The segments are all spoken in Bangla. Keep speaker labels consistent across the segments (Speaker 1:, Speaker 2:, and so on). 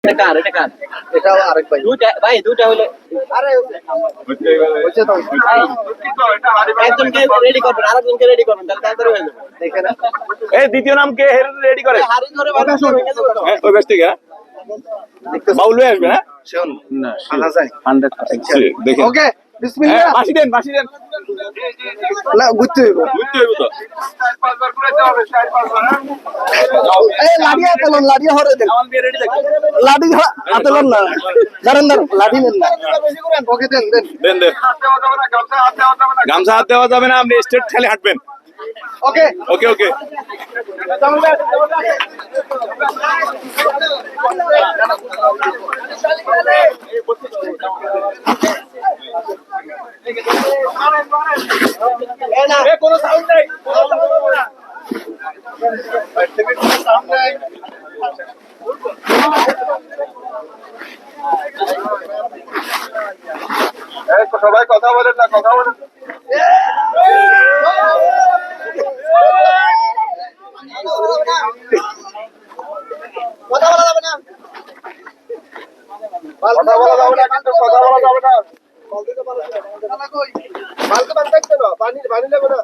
Speaker 1: এটাও আরেক ভাই
Speaker 2: দুটা হলো
Speaker 1: আরে হচ্ছে তো
Speaker 2: একজনকে রেডি করবেন আরেকজনকে রেডি করবেন তাহলে তাড়াতাড়ি হয়ে যাবে
Speaker 1: দেখেন
Speaker 3: এই দ্বিতীয় নাম কে রেডি করে
Speaker 2: হাড়ি ধরে বাঁধা ভেঙে যাবে তো
Speaker 3: ওই ব্যস্ত থেকে বাউল হয়ে আসবে হ্যাঁ
Speaker 1: শুন
Speaker 3: না
Speaker 1: আনা যায়
Speaker 3: 100 দেখেন
Speaker 1: ওকে বিসমিল্লাহ
Speaker 3: বাসি দেন
Speaker 1: না ঘুরতে হইব
Speaker 3: বুঝতে হইব তো
Speaker 1: এই লাড়ি আতলন লাড়ি হরে দেন
Speaker 3: আমার বিয়ে রেডি থাকবে
Speaker 1: লাড়ি আতলন না দাঁড়ান দাঁড়ান লাড়ি নেন না ওকে দেন দেন
Speaker 3: দেন দেন গামছা হাত দেওয়া যাবে না আপনি স্ট্রেট খালি হাঁটবেন
Speaker 1: ওকে
Speaker 3: ওকে ওকে কোনো সাউন্ড নাই সবাই কথা বলেন না কথা বলেন
Speaker 1: কথা বলা যাবে না
Speaker 3: কথা বলা যাবে না কিন্তু কথা বলা যাবে না
Speaker 1: মালকে বাদ দেখতে না পানি পানি লাগবে না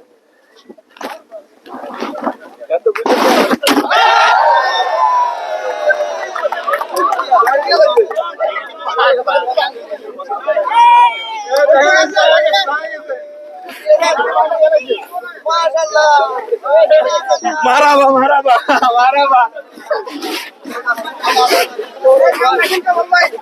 Speaker 1: এত বুঝতে
Speaker 3: মারাবা মারাবা মারাবা